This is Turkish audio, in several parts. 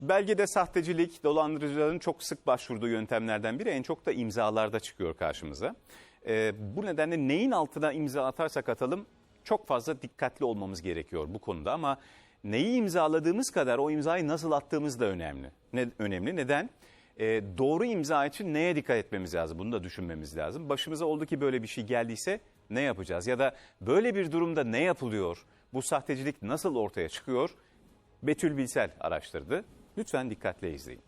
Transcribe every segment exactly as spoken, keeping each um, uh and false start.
Belgede sahtecilik, dolandırıcıların çok sık başvurduğu yöntemlerden biri, en çok da imzalarda çıkıyor karşımıza. Ee, bu nedenle neyin altına imza atarsak atalım çok fazla dikkatli olmamız gerekiyor bu konuda. Ama neyi imzaladığımız kadar o imzayı nasıl attığımız da önemli. Ne, önemli. Neden? Ee, doğru imza için neye dikkat etmemiz lazım? Bunu da düşünmemiz lazım. Başımıza oldu ki böyle bir şey geldiyse ne yapacağız? Ya da böyle bir durumda ne yapılıyor? Bu sahtecilik nasıl ortaya çıkıyor? Betül Bilsel araştırdı. Lütfen dikkatle izleyin.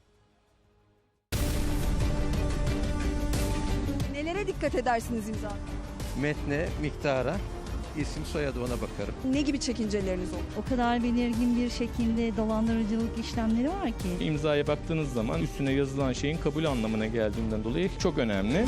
Nelere dikkat edersiniz imza? Metne, miktara, isim soyadı ona bakarım. Ne gibi çekinceleriniz olur? O kadar belirgin bir şekilde dolandırıcılık işlemleri var ki. İmzaya baktığınız zaman üstüne yazılan şeyin kabul anlamına geldiğinden dolayı çok önemli.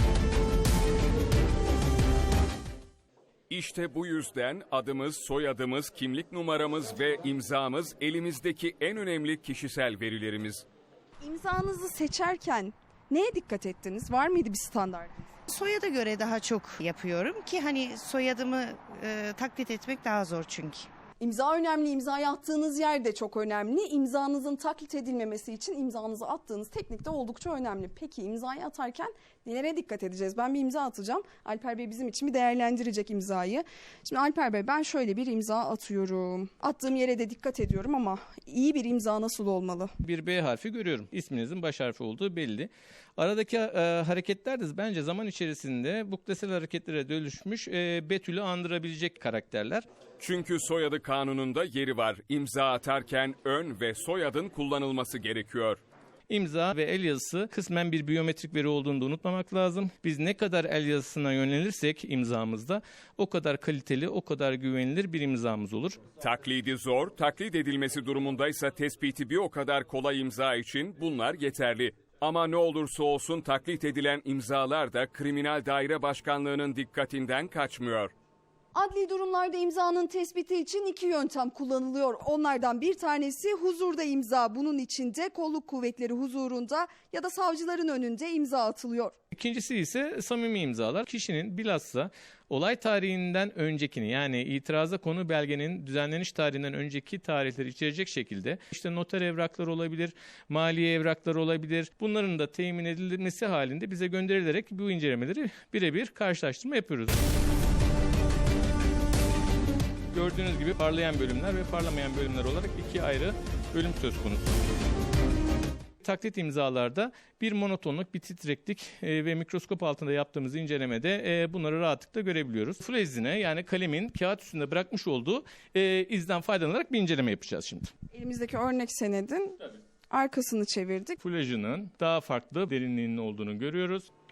İşte bu yüzden adımız, soyadımız, kimlik numaramız ve imzamız elimizdeki en önemli kişisel verilerimiz. İmzanızı seçerken neye dikkat ettiniz? Var mıydı bir standartınız? Soyada göre daha çok yapıyorum ki hani soyadımı e, taklit etmek daha zor çünkü. İmza önemli, imzayı attığınız yer de çok önemli. İmzanızın taklit edilmemesi için imzanızı attığınız teknik de oldukça önemli. Peki imzayı atarken nelere dikkat edeceğiz? Ben bir imza atacağım. Alper Bey bizim için bir değerlendirecek imzayı. Şimdi Alper Bey, ben şöyle bir imza atıyorum. Attığım yere de dikkat ediyorum ama iyi bir imza nasıl olmalı? Bir B harfi görüyorum. İsminizin baş harfi olduğu belli. Aradaki e, hareketler de bence zaman içerisinde buktesel hareketlere dönüşmüş e, Betül'ü andırabilecek karakterler. Çünkü soyadı kanununda yeri var. İmza atarken ön ve soyadın kullanılması gerekiyor. İmza ve el yazısı kısmen bir biyometrik veri olduğunu da unutmamak lazım. Biz ne kadar el yazısına yönelirsek imzamızda o kadar kaliteli, o kadar güvenilir bir imzamız olur. Taklidi zor, taklit edilmesi durumundaysa tespiti bir o kadar kolay imza için bunlar yeterli. Ama ne olursa olsun taklit edilen imzalar da Kriminal Daire Başkanlığı'nın dikkatinden kaçmıyor. Adli durumlarda imzanın tespiti için iki yöntem kullanılıyor. Onlardan bir tanesi huzurda imza. Bunun için de kolluk kuvvetleri huzurunda ya da savcıların önünde imza atılıyor. İkincisi ise samimi imzalar. Kişinin bilhassa olay tarihinden öncekini, yani itiraza konu belgenin düzenleniş tarihinden önceki tarihleri içerecek şekilde işte noter evrakları olabilir, maliye evrakları olabilir. Bunların da temin edilmesi halinde bize gönderilerek bu incelemeleri birebir karşılaştırma yapıyoruz. Gördüğünüz gibi parlayan bölümler ve parlamayan bölümler olarak iki ayrı bölüm söz konusu. Taklit imzalarda bir monotonluk, bir titreklik e, ve mikroskop altında yaptığımız incelemede e, bunları rahatlıkla görebiliyoruz. Full izine, yani kalemin kağıt üstünde bırakmış olduğu e, izden faydalanarak bir inceleme yapacağız şimdi. Elimizdeki örnek senedin Tabii. arkasını çevirdik. Fulajının daha farklı derinliğinin olduğunu görüyoruz.